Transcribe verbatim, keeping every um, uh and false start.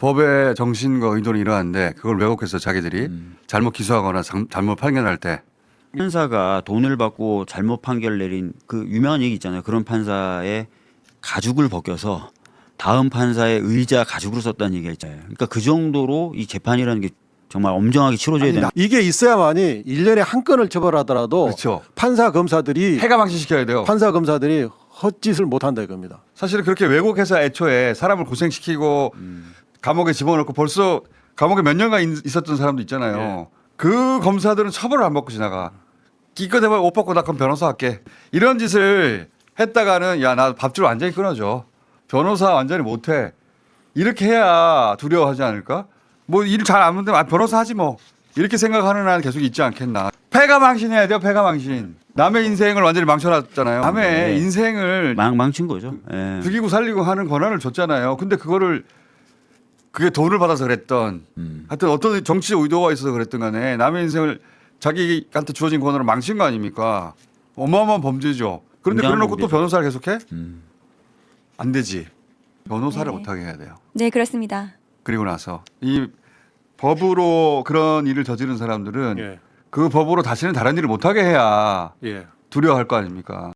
법의 정신과 의도는 이러한데 그걸 왜곡해서 자기들이 음. 잘못 기소하거나 장- 잘못 판결할 때 판사가 돈을 받고 잘못 판결 내린 그 유명한 얘기 있잖아요. 그런 판사의 가죽을 벗겨서 다음 판사의 의자 가죽으로 썼다는 얘기가 있잖아요. 그러니까 그 정도로 이 재판이라는 게 정말 엄정하게 치러져야 아니, 되는. 이게 있어야만이 일 년에 한 건을 처벌하더라도 그렇죠. 판사 검사들이 폐가망신 시켜야 돼요. 판사 검사들이 헛짓을 못 한다 이겁니다. 사실은 그렇게 왜곡해서 애초에 사람을 고생시키고 음. 감옥에 집어넣고 벌써 감옥에 몇 년간 있- 있었던 사람도 있잖아요. 예. 그 검사들은 처벌을 안 받고 지나가. 기껏 해봐 옷 벗고 나 그럼 변호사 할게. 이런 짓을 했다가는 야 나 밥줄 완전히 끊어줘. 변호사 완전히 못해. 이렇게 해야 두려워하지 않을까? 뭐 일 잘 안 하는데 아, 변호사 하지 뭐. 이렇게 생각하는 한 계속 있지 않겠나. 폐가망신해야 돼요. 폐가망신. 남의 인생을 완전히 망쳐놨잖아요. 남의 네. 인생을 망, 망친 거죠. 예. 죽이고 살리고 하는 권한을 줬잖아요. 근데 그거를 그게 돈을 받아서 그랬던 음. 하여튼 어떤 정치적 의도가 있어서 그랬던 간에 남의 인생을 자기한테 주어진 권한을 망친 거 아닙니까? 어마어마한 범죄죠. 그런데 굉장한 그래놓고 또 범죄죠. 변호사를 계속해? 음. 안 되지. 변호사를 네. 못하게 해야 돼요. 네, 그렇습니다. 그리고 나서 이 법으로 그런 일을 저지른 사람들은 예. 그 법으로 다시는 다른 일을 못하게 해야 예. 두려워할 거 아닙니까?